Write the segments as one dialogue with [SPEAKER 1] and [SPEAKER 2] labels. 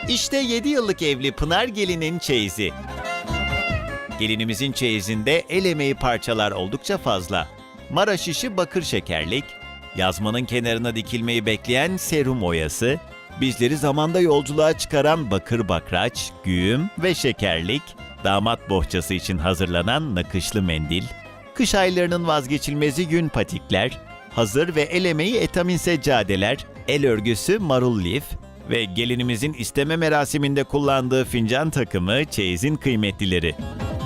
[SPEAKER 1] İşte 7 yıllık evli Pınar gelinin çeyizi. Gelinimizin çeyizinde el emeği parçalar oldukça fazla. Maraş işi bakır şekerlik, yazmanın kenarına dikilmeyi bekleyen serum oyası, bizleri zamanda yolculuğa çıkaran bakır bakraç, güğüm ve şekerlik, damat bohçası için hazırlanan nakışlı mendil, kış aylarının vazgeçilmezi yün patikler, hazır ve el emeği etamin seccadeler, el örgüsü marul lif ve gelinimizin isteme merasiminde kullandığı fincan takımı çeyizin kıymetlileri.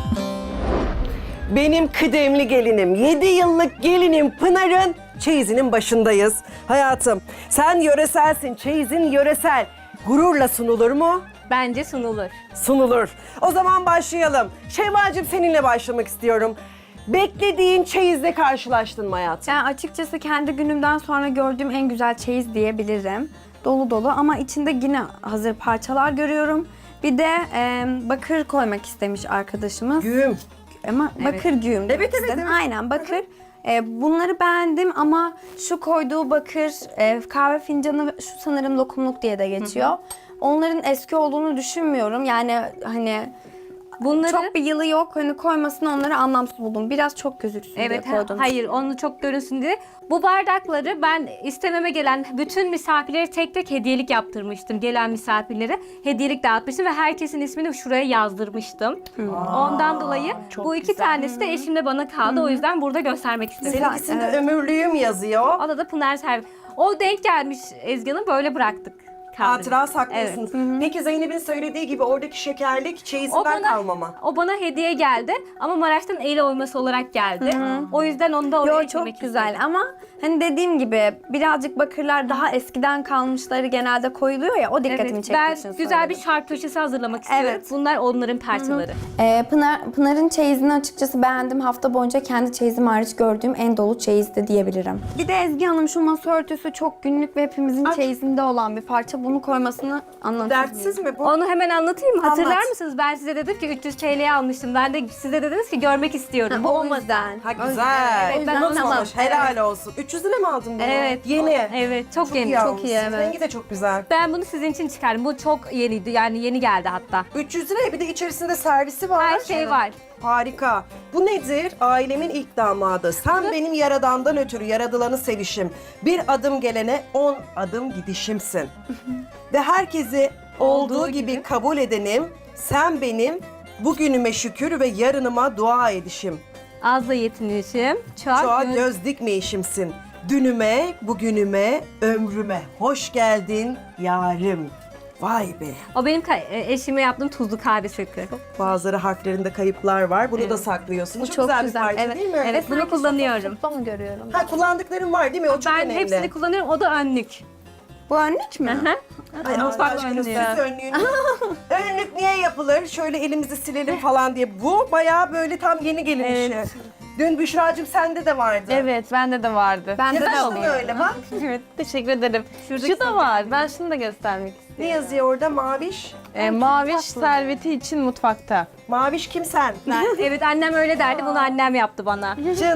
[SPEAKER 2] Benim kıdemli gelinim, 7 yıllık gelinim Pınar'ın çeyizinin başındayız. Hayatım, sen yöreselsin, çeyizin yöresel. Gururla sunulur mu?
[SPEAKER 3] Bence sunulur.
[SPEAKER 2] Sunulur. O zaman başlayalım. Şevval'cim seninle başlamak istiyorum. Beklediğin çeyizle karşılaştın mı hayatım?
[SPEAKER 4] Yani açıkçası kendi günümden sonra gördüğüm en güzel çeyiz diyebilirim. Dolu dolu ama içinde yine hazır parçalar görüyorum. Bir de bakır koymak istemiş arkadaşımız.
[SPEAKER 2] Güğüm.
[SPEAKER 4] Ama bakır güğüm.
[SPEAKER 2] Evet, evet, evet.
[SPEAKER 4] Aynen bakır. Bunları beğendim ama şu koyduğu bakır kahve fincanı şu sanırım lokumluk diye de geçiyor. Onların eski olduğunu düşünmüyorum. Yani hani
[SPEAKER 3] Bunları
[SPEAKER 4] çok bir yılı yok. Hani koymasını onları anlamsız buldum. Biraz çok gözüksün diye
[SPEAKER 3] evet,
[SPEAKER 4] koydum.
[SPEAKER 3] hayır onu çok görünsün diye. Bu bardakları ben istememe gelen bütün misafirlere tek tek hediyelik yaptırmıştım. Gelen misafirlere hediyelik dağıtmıştım ve herkesin ismini şuraya yazdırmıştım. Ondan dolayı bu iki tanesi de eşimle bana kaldı. O yüzden burada göstermek istedim.
[SPEAKER 2] Seninkisinde ömürlüğüm yazıyor.
[SPEAKER 3] O da Pınar Servi. O denk gelmiş Ezgi Hanım, böyle bıraktık.
[SPEAKER 2] Hatıra saklıyorsunuz. Peki Zeynep'in söylediği gibi oradaki şekerlik çeyizinden kalmama.
[SPEAKER 3] O bana hediye geldi ama Maraş'tan el oyması olarak geldi. O yüzden onu da oraya
[SPEAKER 4] Yo,
[SPEAKER 3] eklemek
[SPEAKER 4] çok güzel
[SPEAKER 3] istedim.
[SPEAKER 4] ama hani dediğim gibi birazcık bakırlar daha eskiden kalmışları genelde koyuluyor ya, o dikkatimi
[SPEAKER 3] Evet,
[SPEAKER 4] çektiği
[SPEAKER 3] ben
[SPEAKER 4] için
[SPEAKER 3] güzel bir
[SPEAKER 4] söyledim.
[SPEAKER 3] şark köşesi hazırlamak istiyorum.
[SPEAKER 4] Evet.
[SPEAKER 3] Bunlar onların parçaları.
[SPEAKER 4] Pınar'ın çeyizini açıkçası beğendim. Hafta boyunca kendi çeyizim hariç gördüğüm en dolu çeyizdi diyebilirim. Bir de Ezgi Hanım şu masa örtüsü çok günlük ve hepimizin çeyizinde olan bir parça. Bunu koymasını anlamsız.
[SPEAKER 2] Dertsiz mi bu?
[SPEAKER 3] Onu hemen anlatayım mı? Hatırlar
[SPEAKER 2] Anlat.
[SPEAKER 3] mısınız? Ben size dedim ki 300 TL'ye almıştım. Ben de size dediniz ki görmek istiyorum. Bu
[SPEAKER 4] O
[SPEAKER 3] olmadı.
[SPEAKER 4] yüzden.
[SPEAKER 2] Ha güzel.
[SPEAKER 3] Evet, ben
[SPEAKER 2] Unutmamış.
[SPEAKER 3] tamam.
[SPEAKER 2] Helal olsun. 300 lira mı aldın bunu?
[SPEAKER 3] Evet.
[SPEAKER 2] Yeni.
[SPEAKER 3] Evet, çok yeni.
[SPEAKER 2] İyi
[SPEAKER 3] Çok
[SPEAKER 2] almışsın.
[SPEAKER 3] iyi, evet.
[SPEAKER 2] Rengi de çok güzel.
[SPEAKER 3] Ben bunu sizin için çıkardım. Bu çok yeniydi. Yani yeni geldi hatta.
[SPEAKER 2] 300 liraya bir de içerisinde servisi var.
[SPEAKER 3] Her şey var.
[SPEAKER 2] Harika. Bu nedir? Ailemin ilk damadı. Sen benim yaradandan ötürü yaradılanı sevişim. Bir adım gelene 10 adım gidişimsin. Ve herkesi olduğu gibi kabul edenim. Sen benim bugünüme şükür ve yarınıma dua edişim.
[SPEAKER 3] Az da yetinişim. Çok.
[SPEAKER 2] Çoğa göz dikmeyişimsin. Dünüme, bugünüme, ömrüme hoş geldin yarim. Vay be.
[SPEAKER 3] O benim eşime yaptığım tuzlu kahve sütü.
[SPEAKER 2] Bazıları harflerinde kayıplar var. Bunu da saklıyorsun. Çok,
[SPEAKER 4] çok
[SPEAKER 2] güzel bir
[SPEAKER 4] güzel,
[SPEAKER 2] parça
[SPEAKER 4] evet.
[SPEAKER 2] değil mi?
[SPEAKER 3] Evet, bunu kullanıyorum.
[SPEAKER 4] Onu görüyorum.
[SPEAKER 2] Ha, kullandıkların var değil mi? O çok
[SPEAKER 3] Ben
[SPEAKER 2] önemli.
[SPEAKER 3] hepsini kullanıyorum. O da önlük.
[SPEAKER 4] Bu önlük mü?
[SPEAKER 2] Ay Allah
[SPEAKER 3] Mutfak
[SPEAKER 2] aşkına
[SPEAKER 3] önlüğü.
[SPEAKER 2] siz önlüğünüz. Önlük niye yapılır? Şöyle elimizi silelim falan diye. Bu bayağı böyle tam yeni gelin işi. Dün Büşra'cığım sende de vardı.
[SPEAKER 5] Evet, bende de vardı.
[SPEAKER 4] Bende de
[SPEAKER 2] Yazışın
[SPEAKER 4] oluyor.
[SPEAKER 2] öyle bak.
[SPEAKER 5] Evet, teşekkür ederim.
[SPEAKER 3] Şuradaki
[SPEAKER 5] Şu da var. Ben şunu da göstermek
[SPEAKER 2] Ne
[SPEAKER 5] istiyorum.
[SPEAKER 2] yazıyor orada? Maviş.
[SPEAKER 5] Maviş serveti için mutfakta.
[SPEAKER 2] Maviş kim sen?
[SPEAKER 3] Evet, annem öyle derdi. Bunu annem yaptı bana.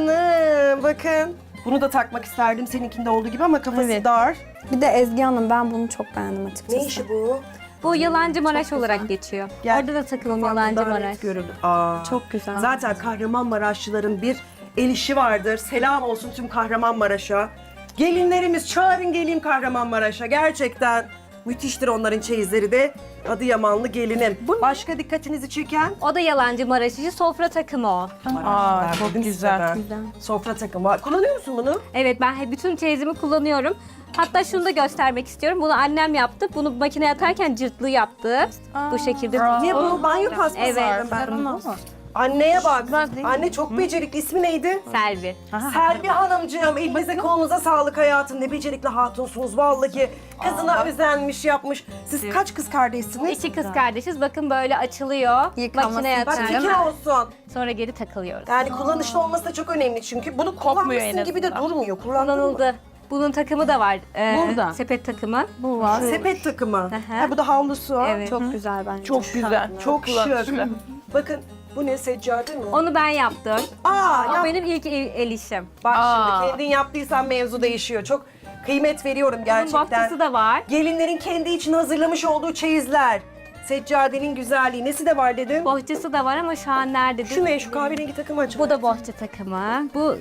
[SPEAKER 2] Canım bakın. Bunu da takmak isterdim seninkinde olduğu gibi ama kafası
[SPEAKER 5] Evet.
[SPEAKER 2] dar.
[SPEAKER 4] Bir de Ezgi Hanım, ben bunu çok beğendim açıkçası.
[SPEAKER 2] Ne işi bu?
[SPEAKER 3] Bu Yalancı Maraş olarak geçiyor.
[SPEAKER 2] Gel.
[SPEAKER 3] Orada da takımım Yalancı
[SPEAKER 2] Daha net
[SPEAKER 3] Maraş.
[SPEAKER 2] görüldü. Aa.
[SPEAKER 4] Çok güzel.
[SPEAKER 2] Zaten Kahramanmaraşlıların bir el işi vardır. Selam olsun tüm Kahramanmaraş'a. Gelinlerimiz çağırın geleyim Kahramanmaraş'a. Gerçekten müthiştir onların çeyizleri de. Adıyamanlı gelinim. Başka dikkatinizi çeken?
[SPEAKER 3] O da Yalancı Maraş işi. Sofra takımı o.
[SPEAKER 5] Aa, çok
[SPEAKER 2] Dedim size
[SPEAKER 5] güzel.
[SPEAKER 2] ben. Sofra takımı var. Kullanıyor musun bunu?
[SPEAKER 3] Evet, ben bütün çeyizimi kullanıyorum. Hatta şunu da göstermek istiyorum. Bunu annem yaptı. Bunu makineye atarken cırtlığı yaptı. Bu şekilde.
[SPEAKER 2] Niye bu banyo paspası
[SPEAKER 3] Evet.
[SPEAKER 2] aldım ben. Anneye bak.
[SPEAKER 5] değil mi?
[SPEAKER 2] Anne çok becerikli. İsmi neydi?
[SPEAKER 3] Selvi.
[SPEAKER 2] Selvi Hanımcığım, elinize kolunuza sağlık hayatım. Ne becerikli hatunsunuz vallahi. Kızına özenmiş yapmış. Siz kaç kız kardeşsiniz?
[SPEAKER 3] 2 kız kardeşiz. Bakın böyle açılıyor.
[SPEAKER 4] Yıkanması
[SPEAKER 3] Makineye
[SPEAKER 2] Bak
[SPEAKER 3] atıyorum.
[SPEAKER 2] fikir olsun.
[SPEAKER 3] Sonra geri takılıyoruz.
[SPEAKER 2] Yani kullanışlı olması da çok önemli çünkü bunu kullanmışsın
[SPEAKER 5] en
[SPEAKER 2] gibi de
[SPEAKER 5] azından.
[SPEAKER 2] durmuyor. Kullandın mı?
[SPEAKER 3] Kullanıldı. Bunun takımı da var.
[SPEAKER 5] Burada.
[SPEAKER 3] Sepet takımı.
[SPEAKER 5] Bu var.
[SPEAKER 2] Sepet takımı.
[SPEAKER 3] hı.
[SPEAKER 2] Ha, bu da havlusu.
[SPEAKER 3] Evet.
[SPEAKER 4] Çok güzel bence.
[SPEAKER 5] Çok güzel.
[SPEAKER 2] Çok şık.
[SPEAKER 5] kullanışlı.
[SPEAKER 2] Bakın bu ne, seccade mi?
[SPEAKER 3] Onu ben yaptım.
[SPEAKER 2] Aa,
[SPEAKER 3] O
[SPEAKER 2] yap.
[SPEAKER 3] benim ilk el işim.
[SPEAKER 2] Bak
[SPEAKER 5] Aa.
[SPEAKER 2] şimdi kendin yaptıysan mevzu değişiyor. Çok Kıymet veriyorum
[SPEAKER 3] Bunun
[SPEAKER 2] gerçekten.
[SPEAKER 3] bohçası da var.
[SPEAKER 2] Gelinlerin kendi için hazırlamış olduğu çeyizler. Seccadenin güzelliği. Nesi de var dedim?
[SPEAKER 3] Bohçası da var ama şu an nerede?
[SPEAKER 2] Şu ne? Şu kahverengi takım acaba?
[SPEAKER 3] Bu da bohça takımı. Bu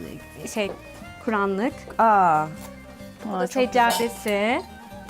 [SPEAKER 3] Kur'anlık.
[SPEAKER 2] Aa,
[SPEAKER 3] Bu da seccadesi.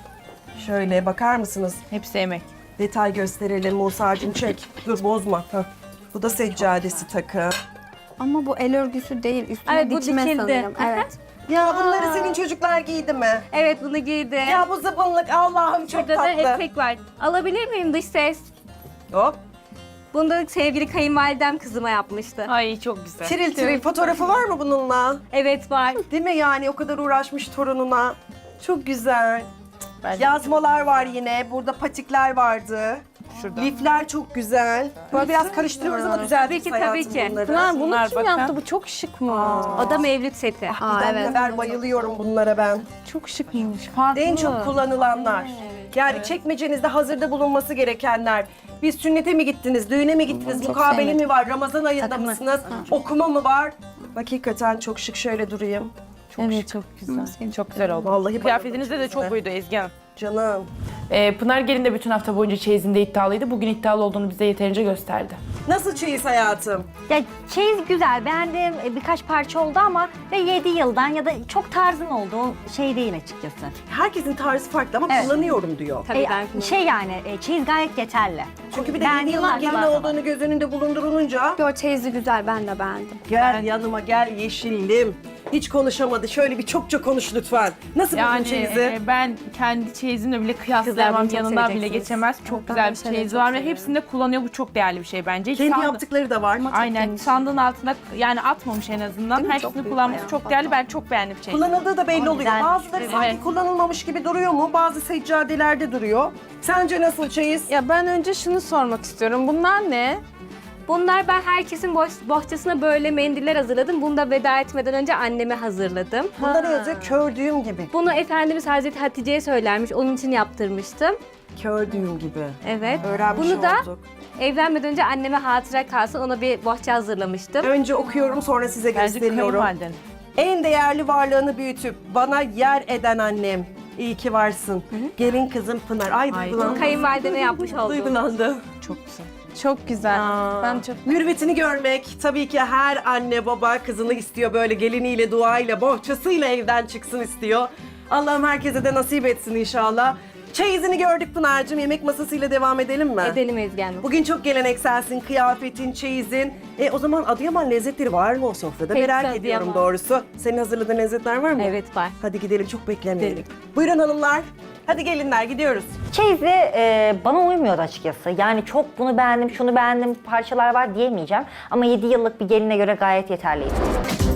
[SPEAKER 2] şöyle bakar mısınız?
[SPEAKER 5] Hepsi emek.
[SPEAKER 2] Detay gösterelim Musa'cığım çek. Dur bozma. Heh. Bu da seccadesi takım.
[SPEAKER 4] Ama bu el örgüsü değil, üstüne
[SPEAKER 3] Evet, bu
[SPEAKER 4] dikme
[SPEAKER 3] dikildi.
[SPEAKER 4] sanırım. Evet.
[SPEAKER 2] Ya bunları senin çocuklar giydi mi?
[SPEAKER 3] Evet, bunu giydi.
[SPEAKER 2] Ya bu zıbınlık Allah'ım çok
[SPEAKER 3] Burada da
[SPEAKER 2] tatlı.
[SPEAKER 3] etek var. Alabilir miyim dış ses?
[SPEAKER 2] Hop.
[SPEAKER 3] Bunu da sevgili kayınvalidem kızıma yapmıştı.
[SPEAKER 5] Ay çok güzel.
[SPEAKER 2] Tiril tiril fotoğrafı var mı bununla?
[SPEAKER 3] Evet var.
[SPEAKER 2] Değil mi yani o kadar uğraşmış torununa. Çok güzel.
[SPEAKER 5] Bence
[SPEAKER 2] Yazmalar var yine. Burada patikler vardı.
[SPEAKER 5] şurada.
[SPEAKER 2] Lifler çok güzel. Böyle biraz karıştırıyoruz ama düzeltiriz
[SPEAKER 3] Tabii ki,
[SPEAKER 2] hayatım
[SPEAKER 3] tabii ki.
[SPEAKER 2] bunları.
[SPEAKER 5] Pınar bunu
[SPEAKER 6] Bunlar
[SPEAKER 5] kim
[SPEAKER 6] bakın.
[SPEAKER 5] yaptı? Bu çok şık mı?
[SPEAKER 3] O da mevlüt seti.
[SPEAKER 4] Aa,
[SPEAKER 2] Ben
[SPEAKER 4] evet.
[SPEAKER 2] kadar bayılıyorum bunlara ben.
[SPEAKER 5] Çok şıkmış. Farklı.
[SPEAKER 2] En çok kullanılanlar. Yani çekmecenizde hazırda bulunması gerekenler. Biz sünnete mi gittiniz, düğüne mi gittiniz,
[SPEAKER 4] Çok
[SPEAKER 2] mukabele
[SPEAKER 4] sevmedim.
[SPEAKER 2] mi var, Ramazan ayında
[SPEAKER 4] Takımı.
[SPEAKER 2] mısınız, okuma mı var? Hakikaten çok şık, şöyle durayım.
[SPEAKER 5] Evet çok güzel. Çok güzel oldu.
[SPEAKER 2] Vallahi
[SPEAKER 6] Kıyafetinizde de
[SPEAKER 2] bayıldım
[SPEAKER 6] çok
[SPEAKER 2] size.
[SPEAKER 6] buydu Ezgi Hanım.
[SPEAKER 2] Canım.
[SPEAKER 6] Pınar Gelin de bütün hafta boyunca çeyizinde iddialıydı. Bugün iddialı olduğunu bize yeterince gösterdi.
[SPEAKER 2] Nasıl çeyiz hayatım?
[SPEAKER 7] Ya çeyiz güzel, beğendiğim birkaç parça oldu ama ve 7 yıldan ya da çok tarzın oldu, o şey değil açıkçası.
[SPEAKER 2] Herkesin tarzı farklı ama
[SPEAKER 7] Evet.
[SPEAKER 2] kullanıyorum diyor.
[SPEAKER 3] Tabii ben
[SPEAKER 7] Şey yani çeyiz gayet yeterli.
[SPEAKER 2] Çünkü bir de
[SPEAKER 7] Ben
[SPEAKER 2] 7 yıllık
[SPEAKER 7] yıllarca
[SPEAKER 2] gelin
[SPEAKER 7] var.
[SPEAKER 2] olduğunu göz önünde bulundurulunca
[SPEAKER 4] Yo, çeyizi güzel, ben de beğendim.
[SPEAKER 2] gel yanıma gel yeşillim. Hiç konuşamadı. Şöyle bir çokça konuş lütfen. Nasıl buldun
[SPEAKER 6] Yani
[SPEAKER 2] çeyizi?
[SPEAKER 6] ben kendi çeyizimle bile
[SPEAKER 3] Kızlar
[SPEAKER 6] kıyaslayamam,
[SPEAKER 3] bunu çok
[SPEAKER 6] yanından bile
[SPEAKER 3] seveceksiniz.
[SPEAKER 6] geçemez. Çok
[SPEAKER 4] Ben
[SPEAKER 6] güzel
[SPEAKER 4] de
[SPEAKER 6] bir
[SPEAKER 4] şeyleri
[SPEAKER 6] çeyiz
[SPEAKER 4] çok
[SPEAKER 6] var ve
[SPEAKER 4] seviyorum.
[SPEAKER 6] hepsini de kullanıyor. Bu çok değerli bir şey bence. Hiç
[SPEAKER 2] Kendi
[SPEAKER 6] sandı-
[SPEAKER 2] yaptıkları da var.
[SPEAKER 6] Aynen
[SPEAKER 4] temiz.
[SPEAKER 6] sandığın altında yani atmamış en azından.
[SPEAKER 4] Değil mi? Çok
[SPEAKER 6] Hepsini
[SPEAKER 4] büyük
[SPEAKER 6] kullanması
[SPEAKER 4] bayağı.
[SPEAKER 6] çok değerli. Ben çok beğendim çeyizi.
[SPEAKER 2] Kullanıldığı da belli oluyor.
[SPEAKER 7] güzel.
[SPEAKER 2] Bazıları sanki
[SPEAKER 6] Evet.
[SPEAKER 2] kullanılmamış gibi duruyor mu? Bazı seccadelerde duruyor. Sence nasıl çeyiz?
[SPEAKER 5] Ya ben önce şunu sormak istiyorum. Bunlar ne?
[SPEAKER 3] Bunlar ben herkesin bohçasına böyle mendiller hazırladım. Bunu da veda etmeden önce anneme hazırladım.
[SPEAKER 2] Bunlara yazıyor kördüğüm gibi.
[SPEAKER 3] Bunu Efendimiz Hazreti Hatice'ye söylermiş. Onun için yaptırmıştım.
[SPEAKER 2] Kördüğüm gibi.
[SPEAKER 3] Evet.
[SPEAKER 2] Öğrenmiş
[SPEAKER 3] Bunu da
[SPEAKER 2] olduk.
[SPEAKER 3] evlenmeden önce anneme hatıra kalsın. Ona bir bohça hazırlamıştım.
[SPEAKER 2] Önce okuyorum sonra size
[SPEAKER 6] Bence
[SPEAKER 2] gösteriyorum.
[SPEAKER 6] kayınvaliden.
[SPEAKER 2] En değerli varlığını büyütüp bana yer eden annem. İyi ki varsın. Gelin kızım Pınar. Ay duygulandım.
[SPEAKER 3] Kayınvalideme yapmış oldum.
[SPEAKER 2] Duygulandım.
[SPEAKER 5] Çok güzel. Çok güzel. Ben çok
[SPEAKER 2] Mürvetini görmek tabii ki her anne baba kızını istiyor böyle geliniyle, duayla, bohçasıyla evden çıksın istiyor. Allah'ım herkese de nasip etsin inşallah. Çeyizini gördük Pınar'cığım. Yemek masasıyla devam edelim mi?
[SPEAKER 3] Edelim Ezgi Hanım.
[SPEAKER 2] Bugün çok gelenekselsin, kıyafetin, çeyizin. O zaman Adıyaman lezzetleri var mı o sofrada?
[SPEAKER 3] Hepsi
[SPEAKER 2] Merak
[SPEAKER 3] Adıyaman.
[SPEAKER 2] ediyorum doğrusu. Senin hazırladığın lezzetler var mı?
[SPEAKER 3] Evet var.
[SPEAKER 2] Hadi gidelim, çok beklemeyelim. Buyurun hanımlar. Hadi gelinler gidiyoruz.
[SPEAKER 7] Çeyizde bana uymuyordu açıkçası. Yani çok bunu beğendim, şunu beğendim parçalar var diyemeyeceğim. Ama 7 yıllık bir geline göre gayet yeterliydi.